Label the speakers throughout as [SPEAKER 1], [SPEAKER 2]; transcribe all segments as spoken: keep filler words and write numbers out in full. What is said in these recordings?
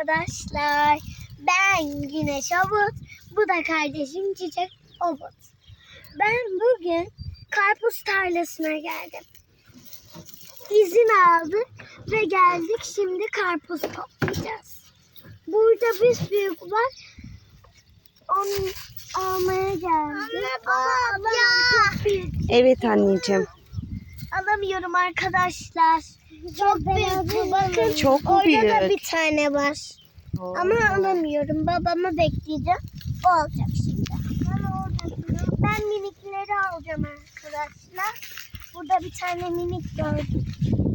[SPEAKER 1] arkadaşlar. Ben Güneş Obut. Bu da kardeşim Çiçek Obut. Ben bugün karpuz tarlasına geldim. İzin aldık ve geldik. Şimdi karpuz toplayacağız. Burada bir büyük var. Onu almaya geldim. Anne baba ya.
[SPEAKER 2] Evet anneciğim.
[SPEAKER 1] Alamıyorum arkadaşlar. Çok büyük bu, bakın.
[SPEAKER 2] Çok mu
[SPEAKER 1] Orada
[SPEAKER 2] büyük?
[SPEAKER 1] da bir tane var.
[SPEAKER 2] Oo.
[SPEAKER 1] Ama alamıyorum. Babamı bekleyeceğim. O alacak şimdi. Ben minikleri alacağım arkadaşlar. Burada bir tane minik gördüm.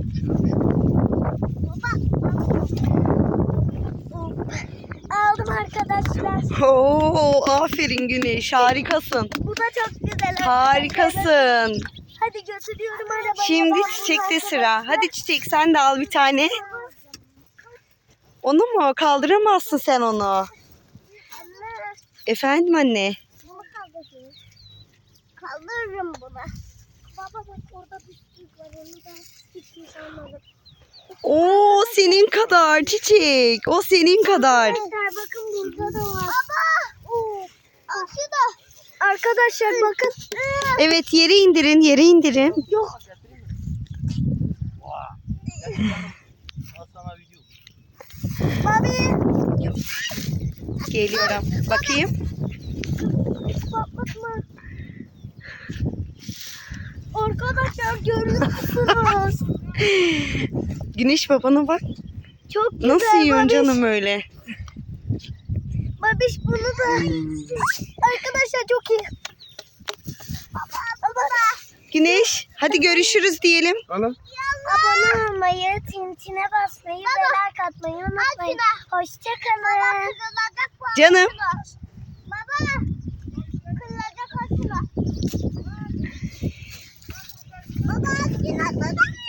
[SPEAKER 1] Baba. Aldım arkadaşlar.
[SPEAKER 2] Oo, aferin Güneş, harikasın.
[SPEAKER 1] Bu da çok güzel.
[SPEAKER 2] Harikasın.
[SPEAKER 1] Hadi götürüyorum arabayı.
[SPEAKER 2] Şimdi
[SPEAKER 1] Ben
[SPEAKER 2] Çiçek'te
[SPEAKER 1] bunu
[SPEAKER 2] sıra. Hadi Çiçek, sen de al bir tane. Onu mu? Kaldıramazsın sen onu.
[SPEAKER 1] Anne.
[SPEAKER 2] Efendim anne.
[SPEAKER 1] Bunu kaldırayım. Kaldırırım bunu. Baba bak orada bir büyük var. Onu da hiç şey almadım.
[SPEAKER 2] Oo, senin kadar Çiçek. O senin kadar.
[SPEAKER 1] Arkadaşlar bakın burada da var. Baba. Oo. Aşıda. Arkadaşlar bakın.
[SPEAKER 2] Evet, yere indirin, yere indirin.
[SPEAKER 1] Yok. Babi.
[SPEAKER 2] Geliyorum. Bakayım.
[SPEAKER 1] Patlatma. Arkadaşlar görüyor musunuz?
[SPEAKER 2] Güneş babana bak.
[SPEAKER 1] Çok güzel.
[SPEAKER 2] Nasıl yiyorsun
[SPEAKER 1] Babiş.
[SPEAKER 2] canım öyle?
[SPEAKER 1] Babiş bunu da. Arkadaşlar çok iyi. Baba. Baba.
[SPEAKER 2] Güneş, hadi görüşürüz diyelim.
[SPEAKER 3] Ana.
[SPEAKER 1] Abone olmayı, tintine basmayı ve like atmayı unutmayın. Hoşçakalın.
[SPEAKER 2] Canım.